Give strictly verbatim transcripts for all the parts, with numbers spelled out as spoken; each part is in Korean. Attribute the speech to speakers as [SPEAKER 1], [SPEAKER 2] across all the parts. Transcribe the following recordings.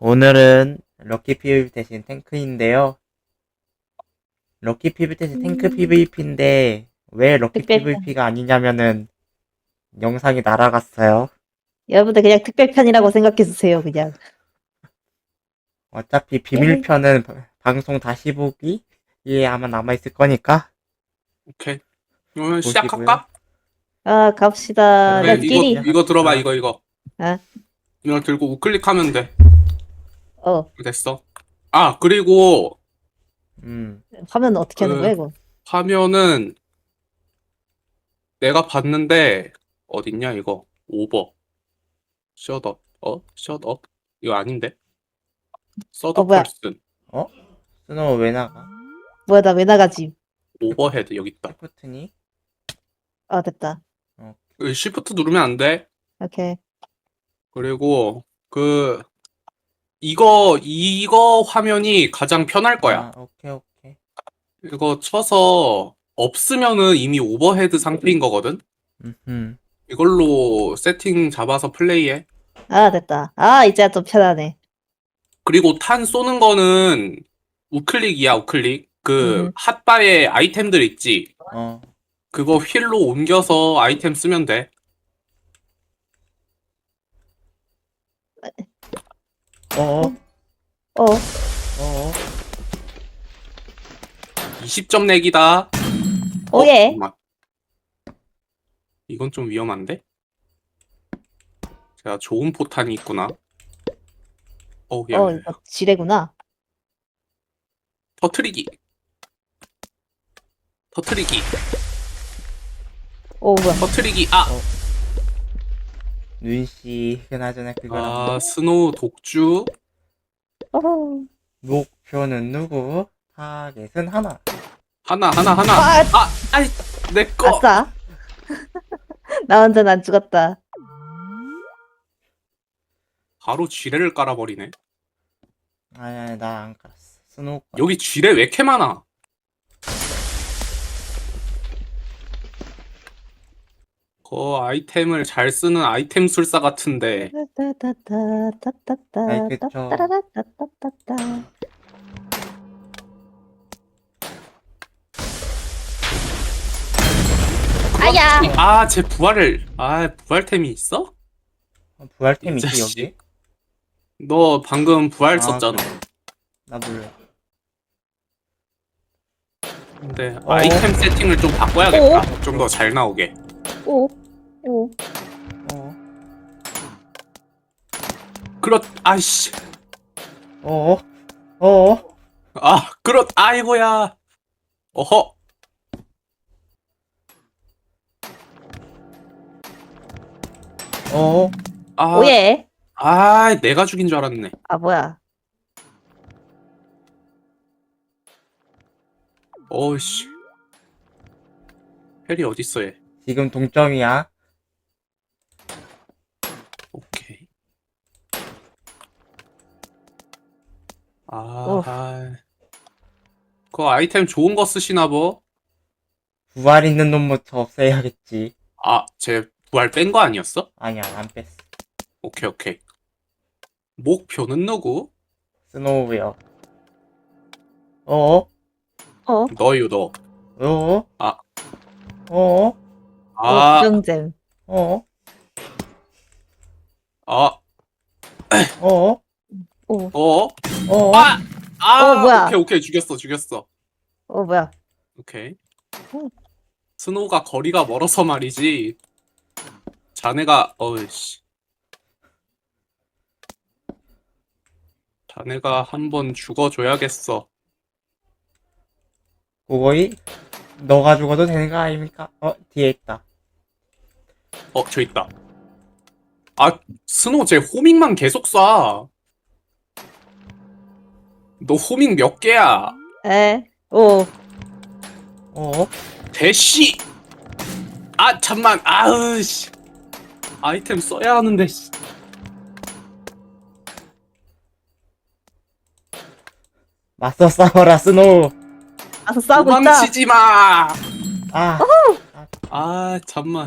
[SPEAKER 1] 오늘은 럭키 피브이피 대신 탱크인데요. 럭키 피브이피 대신 탱크
[SPEAKER 2] 음.
[SPEAKER 1] 피브이피인데 왜 럭키
[SPEAKER 2] 특별편.
[SPEAKER 1] 피브이피가 아니냐면은 영상이 날아갔어요.
[SPEAKER 2] 여러분들 그냥 특별편이라고 생각해주세요, 그냥.
[SPEAKER 1] 어차피
[SPEAKER 2] 예.
[SPEAKER 1] 비밀편은 바- 방송 다시 보기에 아마 남아있을 거니까
[SPEAKER 3] 오케이. 그러면
[SPEAKER 1] 보시고요.
[SPEAKER 3] 시작할까?
[SPEAKER 2] 아, 갑시다.
[SPEAKER 1] 그러면
[SPEAKER 3] 그래,
[SPEAKER 2] 렛츠
[SPEAKER 3] 이거
[SPEAKER 2] 기릿.
[SPEAKER 1] 시작합시다.
[SPEAKER 3] 이거 들어봐 이거 이거.
[SPEAKER 2] 아,
[SPEAKER 3] 이거 들고 우클릭하면 돼.
[SPEAKER 2] 어.
[SPEAKER 3] 됐어. 아 그리고
[SPEAKER 1] 음,
[SPEAKER 2] 화면 어떻게 하는
[SPEAKER 3] 그-
[SPEAKER 2] 거야, 이거?
[SPEAKER 3] 화면은 내가 봤는데 어딨냐 이거 오버 셧업 어 셧업 이거 아닌데 서드
[SPEAKER 2] 어, 뭐야.
[SPEAKER 3] 펄슨
[SPEAKER 1] 스노우 왜 나가?
[SPEAKER 2] 뭐야, 나 왜 나가지?
[SPEAKER 3] 오버헤드 여기 있다.
[SPEAKER 1] 시프트니?
[SPEAKER 2] 아, 됐다.
[SPEAKER 3] 시프트 누르면 안 돼.
[SPEAKER 2] 오케이.
[SPEAKER 3] 그리고 그 이거 이거 화면이 가장 편할 거야.
[SPEAKER 1] 아, 오케이 오케이.
[SPEAKER 3] 이거 쳐서 없으면은 이미 오버헤드 상태인 거거든.
[SPEAKER 1] 음,
[SPEAKER 3] 이걸로 세팅 잡아서 플레이해.
[SPEAKER 2] 아, 됐다. 아, 이제 좀 편하네.
[SPEAKER 3] 그리고 탄 쏘는 거는 우클릭이야, 우클릭. 그
[SPEAKER 2] 음.
[SPEAKER 3] 핫바에 아이템들 있지.
[SPEAKER 1] 어,
[SPEAKER 3] 그거 휠로 옮겨서 아이템 쓰면 돼.
[SPEAKER 1] 어,
[SPEAKER 2] 어,
[SPEAKER 1] 어,
[SPEAKER 3] 이십 점 내기다.
[SPEAKER 2] 오예.
[SPEAKER 3] 잠깐만. 이건 좀 위험한데? 제가 좋은 포탄이 있구나. 어, 야,
[SPEAKER 2] 어, 이거 지뢰구나.
[SPEAKER 3] 터트리기. 터트리기.
[SPEAKER 2] 오, 뭐야.
[SPEAKER 3] 터트리기. 아,
[SPEAKER 1] 눈씨 그나저나 그거랑
[SPEAKER 3] 아 스노우 독주.
[SPEAKER 2] 어허.
[SPEAKER 1] 목표는 누구? 타겟은 하나.
[SPEAKER 3] 하나, 하나, 하나.
[SPEAKER 2] 아,
[SPEAKER 3] 아, 아이, 내 거.
[SPEAKER 2] 아싸. 나 완전 안 죽었다.
[SPEAKER 3] 바로 지뢰를 깔아버리네.
[SPEAKER 1] 아니 아니 나 안 깔았어. 스노우 거.
[SPEAKER 3] 여기 지뢰 왜 이렇게 많아? 그 아이템을 잘 쓰는 아이템 술사 같은데.
[SPEAKER 1] 아이, 그쵸.
[SPEAKER 2] 따라라따따따따. 아야.
[SPEAKER 3] 아, 제 부활을. 아, 부활템이 있어?
[SPEAKER 1] 어, 부활템
[SPEAKER 3] 이
[SPEAKER 1] 있지
[SPEAKER 3] 자식.
[SPEAKER 1] 여기?
[SPEAKER 3] 너 방금 부활
[SPEAKER 1] 아,
[SPEAKER 3] 썼잖아.
[SPEAKER 1] 그래. 나 몰라.
[SPEAKER 3] 근데
[SPEAKER 1] 어.
[SPEAKER 3] 아이템 세팅을 좀 바꿔야겠다. 좀 더 잘 나오게.
[SPEAKER 2] 오, 오.
[SPEAKER 1] 어,
[SPEAKER 3] 그렇, 아이씨.
[SPEAKER 1] 어, 어,
[SPEAKER 3] 아, 그렇, 아이고야. 어허.
[SPEAKER 1] 어,
[SPEAKER 3] 아,
[SPEAKER 2] 오예.
[SPEAKER 3] 아, 내가 죽인 줄 알았네.
[SPEAKER 2] 아, 뭐야.
[SPEAKER 3] 어이씨. 헬이 어딨어, 얘.
[SPEAKER 1] 지금 동점이야.
[SPEAKER 3] 오케이. 아,
[SPEAKER 2] 오.
[SPEAKER 3] 아. 그 아이템 좋은 거 쓰시나 보?
[SPEAKER 1] 부활 있는 놈부터 없애야겠지.
[SPEAKER 3] 아, 제 부활 뺀 거 아니었어?
[SPEAKER 1] 아니야, 안 뺐어.
[SPEAKER 3] 오케이, 오케이. 목표는 누구?
[SPEAKER 1] 스노우요. 어,
[SPEAKER 2] 어,
[SPEAKER 3] 너요, 너.
[SPEAKER 1] 어,
[SPEAKER 3] 아.
[SPEAKER 1] 어,
[SPEAKER 3] 아,
[SPEAKER 2] 부정잼.
[SPEAKER 1] 어,
[SPEAKER 3] 아,
[SPEAKER 1] 어,
[SPEAKER 2] 오,
[SPEAKER 3] 어?
[SPEAKER 1] 어,
[SPEAKER 3] 아! 아!
[SPEAKER 2] 어, 뭐야.
[SPEAKER 3] 오케이, 오케이. 죽였어, 죽였어.
[SPEAKER 2] 어, 뭐야.
[SPEAKER 3] 오케이.
[SPEAKER 2] 어.
[SPEAKER 3] 스노우가 거리가 멀어서 말이지. 자네가, 어이씨. 자네가 한번 죽어줘야겠어.
[SPEAKER 1] 그거이 너가 죽어도 되는 거 아닙니까? 어, 뒤에 있다.
[SPEAKER 3] 어, 저 있다. 아, 스노우 쟤 호밍만 계속 쏴. 너 호밍 몇 개야?
[SPEAKER 2] 에, 오.
[SPEAKER 1] 어,
[SPEAKER 3] 대시! 아, 잠만. 아으, 씨. 아이템 써야 하는데, 씨.
[SPEAKER 1] 맞서 싸워라, 스노우.
[SPEAKER 2] 가서 싸우고 있다.
[SPEAKER 3] 도망치지 마!
[SPEAKER 1] 아,
[SPEAKER 3] 아, 잠만.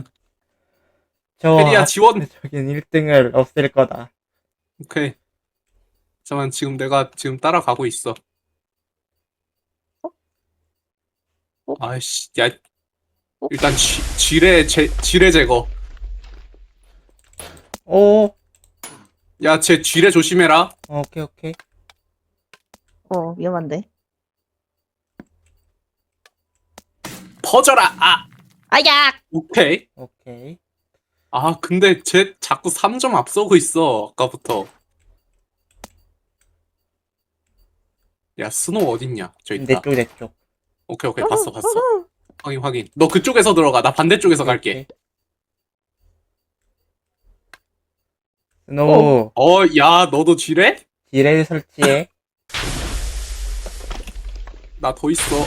[SPEAKER 1] 저
[SPEAKER 3] 페리야, 지원!
[SPEAKER 1] 저긴 일 등을 없앨 거다.
[SPEAKER 3] 오케이. 잠깐만, 지금 내가 지금 따라가고 있어.
[SPEAKER 2] 어?
[SPEAKER 3] 아이씨, 야,
[SPEAKER 2] 어?
[SPEAKER 3] 일단 쥐, 지뢰, 제, 지뢰 제거.
[SPEAKER 1] 오,
[SPEAKER 3] 야, 쟤 지뢰 조심해라.
[SPEAKER 1] 어, 오케이, 오케이.
[SPEAKER 2] 어, 위험한데.
[SPEAKER 3] 퍼져라! 아!
[SPEAKER 2] 아야!
[SPEAKER 3] 오케이.
[SPEAKER 1] 오케이.
[SPEAKER 3] 아, 근데 쟤 자꾸 삼 점 앞서고 있어, 아까부터. 야, 스노우 어딨냐? 저 있다.
[SPEAKER 1] 내 쪽, 내 쪽.
[SPEAKER 3] 오케이, 오케이, 봤어, 봤어. 확인, 확인. 너 그쪽에서 들어가. 나 반대쪽에서
[SPEAKER 1] 오케이,
[SPEAKER 3] 갈게.
[SPEAKER 1] 오케이. 스노우,
[SPEAKER 3] 어, 야, 너도 지뢰?
[SPEAKER 1] 지뢰를 설치해.
[SPEAKER 3] 나 더 있어.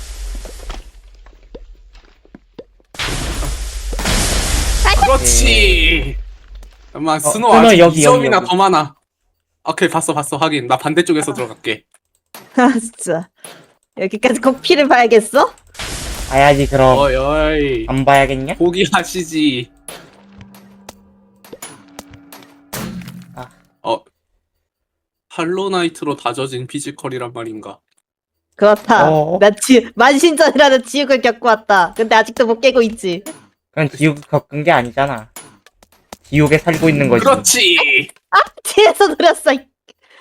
[SPEAKER 3] 그렇지. 잠깐만, 스노우
[SPEAKER 1] 스노우
[SPEAKER 3] 아직
[SPEAKER 1] 여기,
[SPEAKER 3] 이 점이나
[SPEAKER 1] 여기, 여기.
[SPEAKER 3] 더 많아. 오케이, 봤어, 봤어, 확인. 나 반대쪽에서 들어갈게.
[SPEAKER 2] 아, 진짜. 여기까지 꼭 피를 봐야겠어?
[SPEAKER 1] 봐야지, 그럼.
[SPEAKER 3] 어이, 어이.
[SPEAKER 1] 안 봐야겠냐?
[SPEAKER 3] 포기하시지.
[SPEAKER 1] 아.
[SPEAKER 3] 어. 할로나이트로 다져진 피지컬이란 말인가?
[SPEAKER 2] 그렇다.
[SPEAKER 1] 어.
[SPEAKER 2] 나 지, 만신전이라는 지옥을 겪고 왔다. 근데 아직도 못 깨고 있지.
[SPEAKER 1] 그건 지옥 겪은 게 아니잖아. 지옥에 살고 있는 거지.
[SPEAKER 3] 그렇지!
[SPEAKER 2] 뒤에서 노렸어. 이-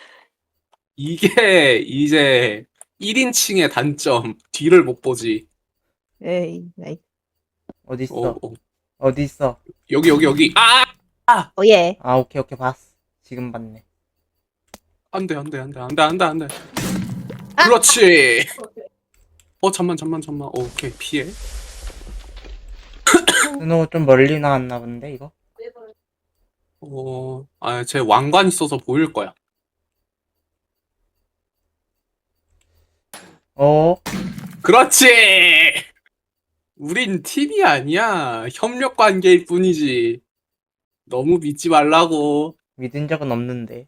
[SPEAKER 3] 이게 이제 일 인칭의 단점. 뒤를 못 보지.
[SPEAKER 2] 에이, 나이.
[SPEAKER 1] 어딨어?
[SPEAKER 3] 어, 어.
[SPEAKER 1] 어딨어?
[SPEAKER 3] 여기, 여기, 여기. 아!
[SPEAKER 2] 오예.
[SPEAKER 1] 아, 오케이, 오케이, 봤어. 지금 봤네.
[SPEAKER 3] 안 돼, 안 돼, 안 돼, 안 돼, 안 돼, 안 돼.
[SPEAKER 2] 아!
[SPEAKER 3] 그렇지! 어, 잠만, 잠만, 잠만. 어, 오케이, 피해.
[SPEAKER 1] 스노우 좀 멀리 나왔나 본데, 이거?
[SPEAKER 3] 어, 아, 쟤 왕관 있어서 보일 거야.
[SPEAKER 1] 어,
[SPEAKER 3] 그렇지! 우린 팀이 아니야. 협력 관계일 뿐이지. 너무 믿지 말라고.
[SPEAKER 1] 믿은 적은 없는데.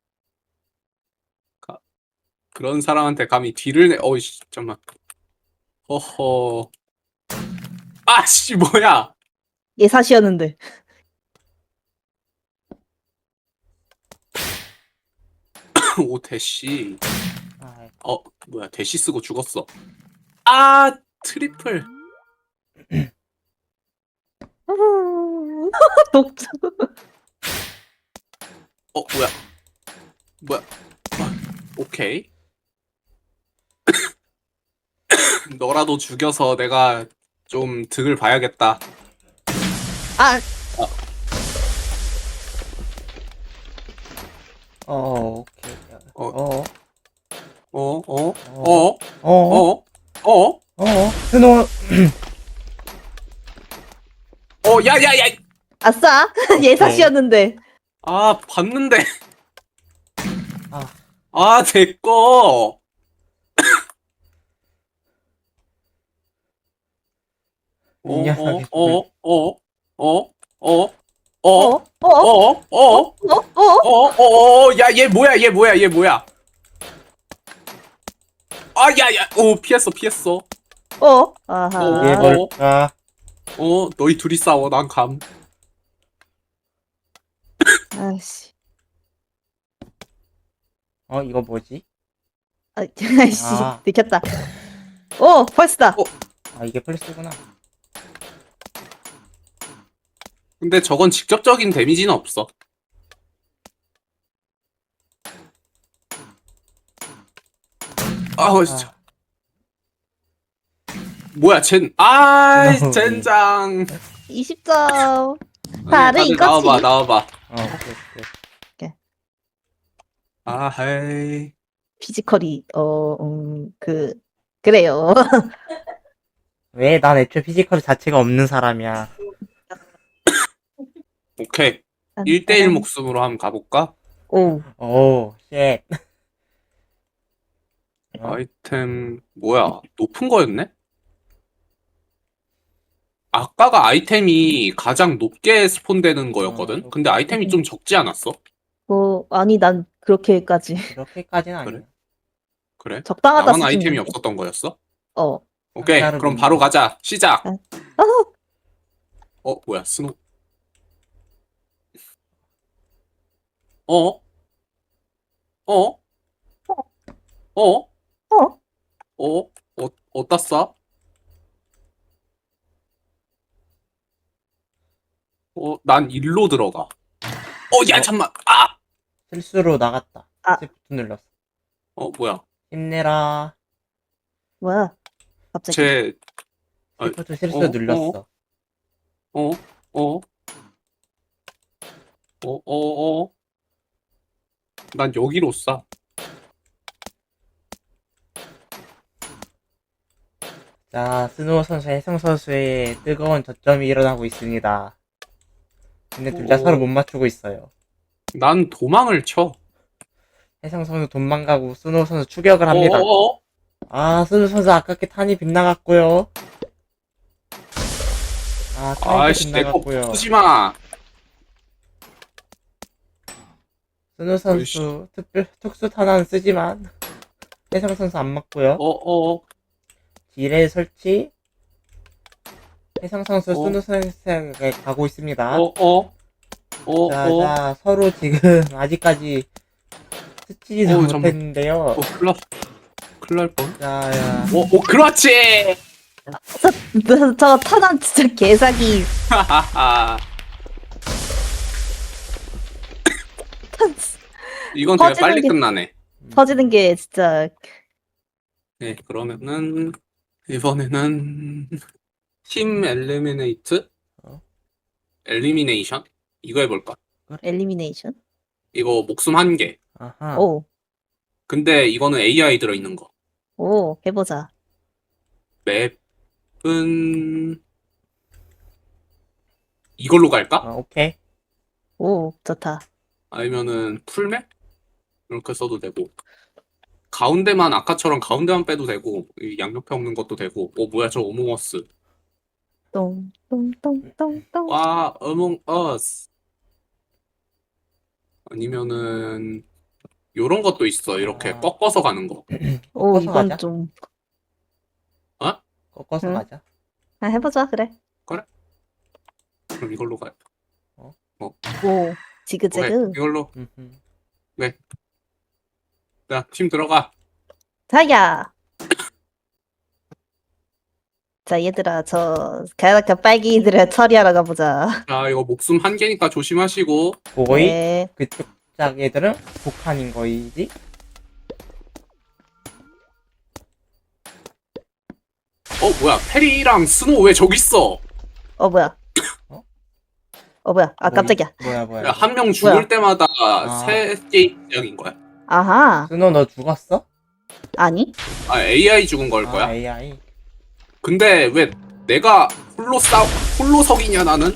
[SPEAKER 3] 그런 사람한테 감히 뒤를 내. 어이씨, 잠깐만. 허허. 아씨, 뭐야!
[SPEAKER 2] 예사시였는데.
[SPEAKER 3] 오, 대시.
[SPEAKER 1] 아,
[SPEAKER 3] 어, 뭐야, 대시 쓰고 죽었어. 아, 트리플.
[SPEAKER 2] 독주.
[SPEAKER 3] 어, 뭐야. 뭐야. 아, 오케이. 너라도 죽여서 내가 좀 득을 봐야겠다.
[SPEAKER 2] 아,
[SPEAKER 1] 어, 오케이.
[SPEAKER 3] 어.
[SPEAKER 1] 어,
[SPEAKER 3] 어, 어,
[SPEAKER 1] 어,
[SPEAKER 3] 어,
[SPEAKER 1] 어,
[SPEAKER 3] 어, 어,
[SPEAKER 1] 어, 스노우,
[SPEAKER 3] 어, 야, 야, 야!
[SPEAKER 2] 아싸. 예사시였는데.
[SPEAKER 3] 아, 봤는데.
[SPEAKER 1] 아,
[SPEAKER 3] 아, 됐고.
[SPEAKER 1] 이
[SPEAKER 3] 어,
[SPEAKER 1] 녀석이
[SPEAKER 3] 어, 어, 어, 어, 어, 어,
[SPEAKER 2] 어,
[SPEAKER 3] 어,
[SPEAKER 2] 어,
[SPEAKER 3] 어, 어,
[SPEAKER 2] 어, 어.
[SPEAKER 3] 어, 어, 어, 야, 얘 뭐야, 얘 뭐야, 얘 뭐야. 아, 야, 야, 오, 피했어, 피했어.
[SPEAKER 2] 어. 아하.
[SPEAKER 1] 이게
[SPEAKER 3] 어.
[SPEAKER 1] 뭘까?
[SPEAKER 3] 어, 너희 둘이 싸워, 난 감.
[SPEAKER 2] 아씨.
[SPEAKER 1] 어, 이거 뭐지?
[SPEAKER 2] 아, 아이씨.
[SPEAKER 1] 아.
[SPEAKER 2] 들켰다. 오, 펄스다.
[SPEAKER 3] 어.
[SPEAKER 1] 아, 이게 플스구나.
[SPEAKER 3] 근데 저건 직접적인 데미지는 없어. 아우, 진짜. 뭐야, 젠, 아,
[SPEAKER 1] 어,
[SPEAKER 3] 젠장.
[SPEAKER 2] 이십 점.
[SPEAKER 3] 아니,
[SPEAKER 2] 다들
[SPEAKER 3] 다들
[SPEAKER 2] 이거지.
[SPEAKER 3] 나와봐, 나와봐.
[SPEAKER 1] 어, 오케이, 오케이.
[SPEAKER 3] 아, 헤이.
[SPEAKER 2] 피지컬이, 어, 음, 그, 그래요.
[SPEAKER 1] 왜? 난 애초에 피지컬 자체가 없는 사람이야.
[SPEAKER 3] 오케이. 일 대일 목숨으로 한번 가볼까?
[SPEAKER 2] 오,
[SPEAKER 1] 오, 쉣. 어?
[SPEAKER 3] 아이템, 뭐야, 높은 거였네? 아까가 아이템이 가장 높게 스폰되는 거였거든?
[SPEAKER 1] 어,
[SPEAKER 3] 근데 아이템이 좀 적지 않았어?
[SPEAKER 2] 뭐, 아니, 난 그렇게까지.
[SPEAKER 1] 그렇게까지는 아니야.
[SPEAKER 3] 그래? 그래?
[SPEAKER 2] 적당하다
[SPEAKER 3] 나만
[SPEAKER 2] 수준인데.
[SPEAKER 3] 아이템이 없었던 거였어?
[SPEAKER 2] 어.
[SPEAKER 3] 오케이,
[SPEAKER 1] 상자를
[SPEAKER 3] 그럼
[SPEAKER 1] 놓는
[SPEAKER 3] 바로
[SPEAKER 1] 거.
[SPEAKER 3] 가자. 시작!
[SPEAKER 2] 아.
[SPEAKER 3] 어, 뭐야, 스노. 어? 어? 어?
[SPEAKER 2] 어?
[SPEAKER 3] 어? 어? 어디다 쏴? 어, 난 일로 들어가. 어, 야,
[SPEAKER 1] 어?
[SPEAKER 3] 잠만. 아!
[SPEAKER 1] 실수로 나갔다.
[SPEAKER 2] 아.
[SPEAKER 1] 시프트 눌렀어.
[SPEAKER 3] 어, 뭐야.
[SPEAKER 1] 힘내라.
[SPEAKER 2] 뭐야? 갑자기.
[SPEAKER 3] 쟤, 아,
[SPEAKER 1] 시프트 실수
[SPEAKER 3] 어?
[SPEAKER 1] 눌렀어.
[SPEAKER 3] 어? 어? 어? 어? 어? 난 여기로 쏴.
[SPEAKER 1] 자, 스노우 선수, 혜성 선수의 뜨거운 저점이 일어나고 있습니다. 근데 둘 다
[SPEAKER 3] 어.
[SPEAKER 1] 서로 못 맞추고 있어요.
[SPEAKER 3] 난 도망을 쳐.
[SPEAKER 1] 혜성 선수 도망가고 스노우 선수 추격을 합니다.
[SPEAKER 3] 어어어?
[SPEAKER 1] 아, 스노우 선수 아깝게 탄이 빗나갔고요. 아, 탄이
[SPEAKER 3] 아이씨, 내거
[SPEAKER 1] 빗나갔고요.
[SPEAKER 3] 부수지 마.
[SPEAKER 1] 스노우 선수 특별 특수 탄환 쓰지만 혜성 선수 안 맞고요.
[SPEAKER 3] 어어어?
[SPEAKER 1] 딜의 설치. 혜성 선수
[SPEAKER 3] 어.
[SPEAKER 1] 스노우 선수에게 가고 있습니다.
[SPEAKER 3] 어어? 어?
[SPEAKER 1] 자,
[SPEAKER 3] 어?
[SPEAKER 1] 자, 서로 지금 아직까지 스치지도
[SPEAKER 3] 어, 잠깐만.
[SPEAKER 1] 못했는데요.
[SPEAKER 3] 어, 큰일 났, 큰일 날 뻔.
[SPEAKER 1] 자, 야.
[SPEAKER 3] 어, 어, 그렇지!
[SPEAKER 2] 저, 저, 저 탄환 진짜 개사기.
[SPEAKER 3] 하하하. 이건 되게
[SPEAKER 2] 퍼지는
[SPEAKER 3] 빨리
[SPEAKER 2] 게-
[SPEAKER 3] 끝나네.
[SPEAKER 2] 터지는 게 진짜.
[SPEAKER 3] 네, 그러면은, 이번에는, 팀 엘리미네이트?
[SPEAKER 1] 어?
[SPEAKER 3] 엘리미네이션? 이거 해볼까?
[SPEAKER 2] 엘리미네이션?
[SPEAKER 3] 이거 목숨 한 개.
[SPEAKER 1] 아하.
[SPEAKER 2] 오,
[SPEAKER 3] 근데 이거는 에이아이 들어있는 거.
[SPEAKER 2] 오, 해보자.
[SPEAKER 3] 맵은, 이걸로 갈까?
[SPEAKER 1] 어, 오케이.
[SPEAKER 2] 오, 좋다.
[SPEAKER 3] 아니면은, 풀맵? 이렇게 써도 되고. 가운데만, 아까처럼 가운데만 빼도 되고, 이 양옆에 없는 것도 되고. 어, 뭐야, 저 어몽어스.
[SPEAKER 2] 똥, 똥, 똥, 똥, 똥.
[SPEAKER 3] 와, 어몽어스. 아니면은, 요런 것도 있어. 이렇게
[SPEAKER 1] 아.
[SPEAKER 3] 꺾어서 가는 거.
[SPEAKER 2] 오,
[SPEAKER 1] 꺾어서
[SPEAKER 2] 이건
[SPEAKER 1] 가자.
[SPEAKER 2] 좀.
[SPEAKER 1] 꺾어서
[SPEAKER 2] 응.
[SPEAKER 1] 가자.
[SPEAKER 2] 아, 해보자, 그래.
[SPEAKER 3] 그럼 이걸로 가요.
[SPEAKER 2] 오,
[SPEAKER 3] 오케이,
[SPEAKER 2] 지그재그.
[SPEAKER 3] 이걸로.
[SPEAKER 1] 음흠.
[SPEAKER 3] 자, 팀 들어가.
[SPEAKER 2] 자야. 자, 얘들아, 저, 가야나카 빨기들을 처리하러 가보자.
[SPEAKER 3] 자, 이거 목숨 한 개니까 조심하시고.
[SPEAKER 1] 거의
[SPEAKER 2] 네.
[SPEAKER 1] 그쪽 짝 애들은 북한인 거이지?
[SPEAKER 3] 어, 뭐야, 페리랑 스노우 왜 저기 있어?
[SPEAKER 2] 어, 뭐야.
[SPEAKER 1] 어?
[SPEAKER 2] 어, 뭐야. 아,
[SPEAKER 1] 뭐,
[SPEAKER 2] 깜짝이야.
[SPEAKER 1] 뭐야, 뭐야.
[SPEAKER 3] 한 명 죽을
[SPEAKER 2] 뭐야?
[SPEAKER 3] 때마다
[SPEAKER 1] 아.
[SPEAKER 3] 세 게임 시작인 거야.
[SPEAKER 2] 아하.
[SPEAKER 1] 스노 너 죽었어?
[SPEAKER 2] 아니?
[SPEAKER 3] 아, 에이아이 죽은 걸 거야.
[SPEAKER 1] 아, 에이아이.
[SPEAKER 3] 근데 왜 내가 홀로 싸, 홀로석이냐, 나는?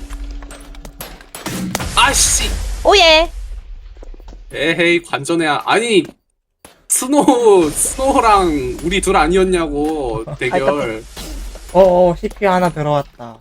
[SPEAKER 3] 아씨!
[SPEAKER 2] 오예.
[SPEAKER 3] 에헤이, 관전해야. 아니, 스노우, 스노우랑 우리 둘 아니었냐고, 대결.
[SPEAKER 1] 어어, 씨피유 하나 들어왔다.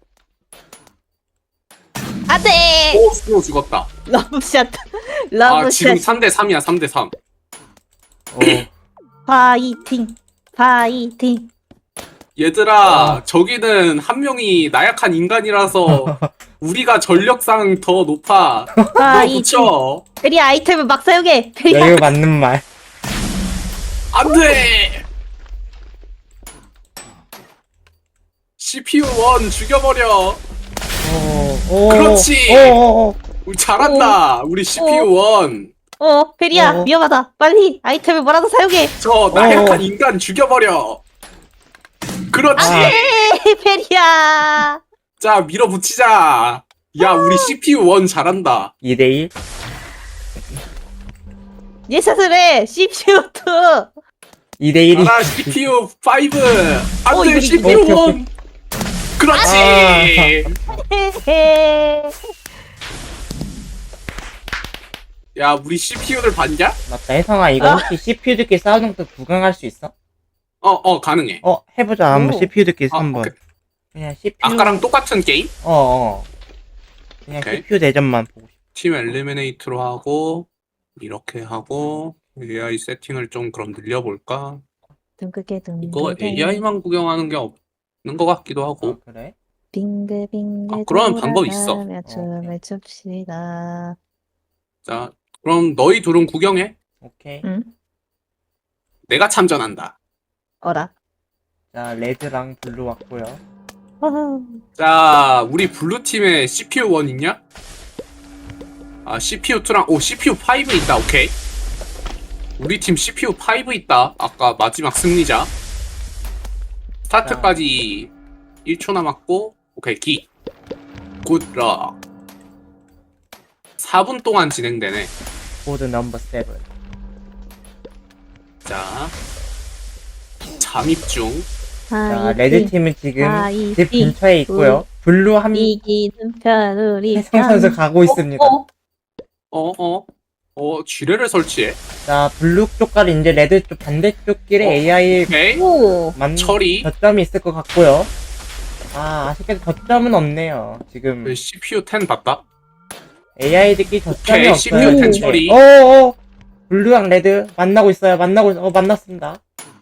[SPEAKER 2] 안 돼!
[SPEAKER 3] 오, 스노우 죽었다.
[SPEAKER 2] 러브샷.
[SPEAKER 3] 아, 지금
[SPEAKER 2] 러브샷.
[SPEAKER 3] 삼 대 삼이야, 삼 대 삼.
[SPEAKER 1] 어,
[SPEAKER 2] 파이팅. 파이팅.
[SPEAKER 3] 얘들아,
[SPEAKER 1] 어.
[SPEAKER 3] 저기는 한 명이 나약한 인간이라서 우리가 전력상 더 높아. 너
[SPEAKER 2] 파이팅.
[SPEAKER 3] 붙여.
[SPEAKER 2] 페리 아이템을 막 사용해. 페리
[SPEAKER 1] 야, 이거 맞는 말.
[SPEAKER 3] 안 돼! 씨피유 일 죽여버려.
[SPEAKER 1] 어, 오,
[SPEAKER 3] 그렇지!
[SPEAKER 1] 오,
[SPEAKER 3] 우리 잘한다. 우리 씨피유 일.
[SPEAKER 2] 어, 페리야,
[SPEAKER 1] 어.
[SPEAKER 2] 위험하다. 빨리 아이템을 뭐라도 사용해.
[SPEAKER 3] 저 나약한
[SPEAKER 1] 어.
[SPEAKER 3] 인간 죽여버려. 그렇지!
[SPEAKER 1] 아.
[SPEAKER 2] 에이, 페리야.
[SPEAKER 3] 자, 밀어붙이자. 야, 우리 씨피유 일 잘한다.
[SPEAKER 1] 이 대 일.
[SPEAKER 2] 예샷을 해. 씨피유 이.
[SPEAKER 1] 이 대 일이.
[SPEAKER 3] 가라, 씨피유 오.
[SPEAKER 2] 어,
[SPEAKER 3] 안
[SPEAKER 2] 이거
[SPEAKER 3] 돼, 씨피유
[SPEAKER 1] 오케이, 오케이.
[SPEAKER 3] 일. 그렇지!
[SPEAKER 1] 아.
[SPEAKER 3] 야, 우리 씨피유를 봤냐?
[SPEAKER 1] 맞다, 혜성아, 이거
[SPEAKER 2] 아.
[SPEAKER 1] 혹시 씨피유들끼리 싸우는 것도 구경할 수 있어?
[SPEAKER 3] 어, 어, 가능해.
[SPEAKER 1] 어, 해보자, 한번
[SPEAKER 2] 오.
[SPEAKER 1] 씨피유들끼리
[SPEAKER 3] 아,
[SPEAKER 1] 한번.
[SPEAKER 3] 오케이.
[SPEAKER 1] 그냥 씨피유.
[SPEAKER 3] 아까랑 똑같은 게임?
[SPEAKER 1] 어, 어. 그냥
[SPEAKER 3] 오케이.
[SPEAKER 1] 씨피유 대전만 보고 싶어.
[SPEAKER 3] 팀 엘리미네이트로 하고, 이렇게 하고, 에이아이 세팅을 좀 그럼 늘려볼까?
[SPEAKER 2] 둥글게
[SPEAKER 3] 이거
[SPEAKER 2] 둥글게.
[SPEAKER 3] 에이아이만 구경하는 게 없는 것 같기도
[SPEAKER 1] 아,
[SPEAKER 3] 하고.
[SPEAKER 1] 그래?
[SPEAKER 2] 빙글빙글.
[SPEAKER 3] 아, 그런 방법 있어.
[SPEAKER 2] 돌아가며 춤을 춥시다.
[SPEAKER 3] 자, 그럼 너희 둘은 구경해.
[SPEAKER 1] 오케이.
[SPEAKER 2] 응?
[SPEAKER 3] 내가 참전한다.
[SPEAKER 2] 어라.
[SPEAKER 1] 자, 레드랑 블루 왔고요.
[SPEAKER 2] 허허.
[SPEAKER 3] 자, 우리 블루팀에 씨피유 일 있냐? 아, 씨피유 이랑, 오, 씨피유 오 있다, 오케이. 우리 팀 씨피유 오 있다. 아까 마지막 승리자. 스타트까지 일 초 남았고, 오케이, 기. 굿럭. 사 분 동안 진행되네.
[SPEAKER 1] 보드 넘버 세븐.
[SPEAKER 3] 자, 잠입 중.
[SPEAKER 1] 자, 레드 팀은 지금
[SPEAKER 2] 아, 이,
[SPEAKER 1] 집
[SPEAKER 2] 이,
[SPEAKER 1] 근처에 있고요. 블루 한
[SPEAKER 2] 이기는 편우리
[SPEAKER 1] 혜성 선수 가고 있습니다.
[SPEAKER 2] 어,
[SPEAKER 3] 어, 어, 어, 지뢰를 설치해.
[SPEAKER 1] 자, 블루 쪽과는 이제 레드 쪽 반대쪽 길에
[SPEAKER 3] 어,
[SPEAKER 1] 에이아이
[SPEAKER 3] 오케이.
[SPEAKER 2] 오.
[SPEAKER 1] 만
[SPEAKER 3] 처리.
[SPEAKER 1] 저점이 있을 것 같고요. 아, 아쉽게도 저점은 없네요. 지금
[SPEAKER 3] 씨피유 십 봤다?
[SPEAKER 1] 에이아이들끼리 저점이
[SPEAKER 3] 오케이,
[SPEAKER 1] 없어요.
[SPEAKER 3] 씨피유 십 처리.
[SPEAKER 1] 어어 블루랑 레드 만나고 있어요. 만나고 있- 어 만났습니다.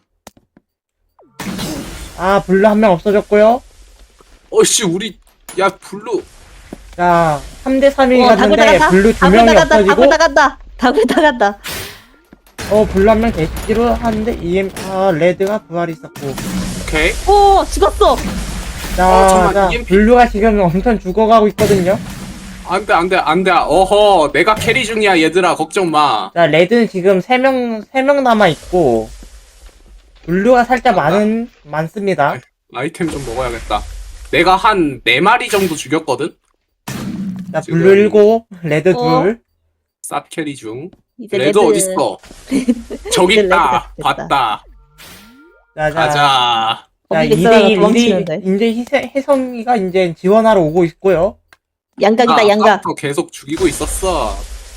[SPEAKER 1] 아, 블루 한 명 없어졌고요.
[SPEAKER 3] 어씨, 우리, 야, 블루.
[SPEAKER 1] 자, 삼 대 삼이
[SPEAKER 2] 어, 다굴
[SPEAKER 1] 갔는데
[SPEAKER 2] 나간다.
[SPEAKER 1] 블루 두
[SPEAKER 2] 다굴
[SPEAKER 1] 명이
[SPEAKER 2] 나간다.
[SPEAKER 1] 없어지고
[SPEAKER 2] 다굴 나간다. 다굴 나간다.
[SPEAKER 1] 어 블루 한 명 대시로 하는데 이엠 아 레드가 부활이 있었고
[SPEAKER 3] 오케이.
[SPEAKER 2] 오, 죽었어.
[SPEAKER 1] 자,
[SPEAKER 3] 어, 잠깐만,
[SPEAKER 1] 자
[SPEAKER 3] 이엠피.
[SPEAKER 1] 블루가 지금 엄청 죽어가고 있거든요.
[SPEAKER 3] 안 돼, 안 돼, 안 돼. 어허, 내가 캐리 중이야, 얘들아. 걱정 마.
[SPEAKER 1] 자, 레드는 지금 세 명 세 명 남아 있고 블루가 살짝
[SPEAKER 3] 아,
[SPEAKER 1] 많은 많습니다.
[SPEAKER 3] 아이템 좀 먹어야겠다. 내가 한 네 마리 정도 죽였거든?
[SPEAKER 1] 자,
[SPEAKER 3] 지금-
[SPEAKER 1] 블루 일곱, 레드
[SPEAKER 2] 어?
[SPEAKER 1] 둘.
[SPEAKER 3] 쌉 캐리 중.
[SPEAKER 2] 이제
[SPEAKER 3] 레드, 어딨어? 저기
[SPEAKER 2] 이제
[SPEAKER 3] 있다.
[SPEAKER 2] 레드가 됐다.
[SPEAKER 3] 봤다.
[SPEAKER 1] 자, 자,
[SPEAKER 3] 가자.
[SPEAKER 1] 자,
[SPEAKER 2] 거기
[SPEAKER 1] 이 대
[SPEAKER 2] 있어야
[SPEAKER 1] 일,
[SPEAKER 2] 도망치는데.
[SPEAKER 1] 이제 희세, 혜성이가 이제 지원하러 오고 있고요.
[SPEAKER 2] 양각이다,
[SPEAKER 3] 나
[SPEAKER 2] 양각.
[SPEAKER 3] 아까부터 계속 죽이고 있었어.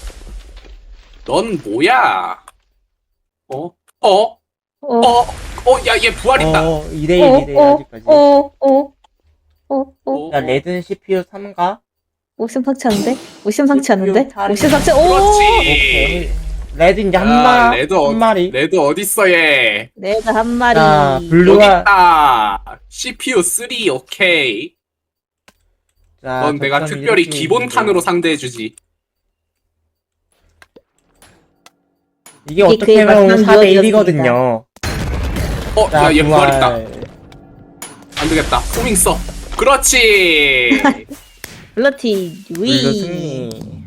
[SPEAKER 3] 넌 뭐야? 어? 어?
[SPEAKER 2] 어,
[SPEAKER 3] 어? 어? 야, 얘 부활 있다.
[SPEAKER 1] 어, 이 대 일,
[SPEAKER 2] 어,
[SPEAKER 1] 이 대 일
[SPEAKER 2] 어,
[SPEAKER 1] 아직까지.
[SPEAKER 2] 어, 어, 어, 어.
[SPEAKER 3] 어?
[SPEAKER 1] 자, 레드는 씨피유 삼가.
[SPEAKER 2] 오 심상치 않은데? 오 심상치 않은데?
[SPEAKER 1] 팔이-
[SPEAKER 2] 오 심상치, 오!
[SPEAKER 3] 그렇지.
[SPEAKER 1] 오케이. 레드 이제 한,
[SPEAKER 3] 야,
[SPEAKER 1] 마,
[SPEAKER 3] 레드,
[SPEAKER 1] 한
[SPEAKER 3] 어,
[SPEAKER 1] 마리.
[SPEAKER 3] 레드 어딨어, 얘?
[SPEAKER 2] 레드 한 마리.
[SPEAKER 1] 자,
[SPEAKER 3] 여기
[SPEAKER 1] 블루가.
[SPEAKER 3] 있다. 씨피유 삼, 오케이.
[SPEAKER 1] 자,
[SPEAKER 3] 넌 내가
[SPEAKER 1] 저점
[SPEAKER 3] 특별히
[SPEAKER 1] 이렇게
[SPEAKER 3] 기본
[SPEAKER 1] 있는데.
[SPEAKER 3] 탄으로 상대해주지.
[SPEAKER 1] 이게
[SPEAKER 2] 이게
[SPEAKER 1] 어떻게
[SPEAKER 2] 그의
[SPEAKER 1] 보면
[SPEAKER 2] 마지막
[SPEAKER 1] 사 대
[SPEAKER 2] 유언이었습니다.
[SPEAKER 1] 일이거든요.
[SPEAKER 3] 어,
[SPEAKER 1] 자,
[SPEAKER 3] 야, 얘 부활 있다.
[SPEAKER 1] 부활.
[SPEAKER 3] 안 되겠다. 호밍 써. 그렇지.
[SPEAKER 2] 블러티,
[SPEAKER 1] 블루
[SPEAKER 2] 위.
[SPEAKER 1] 승리.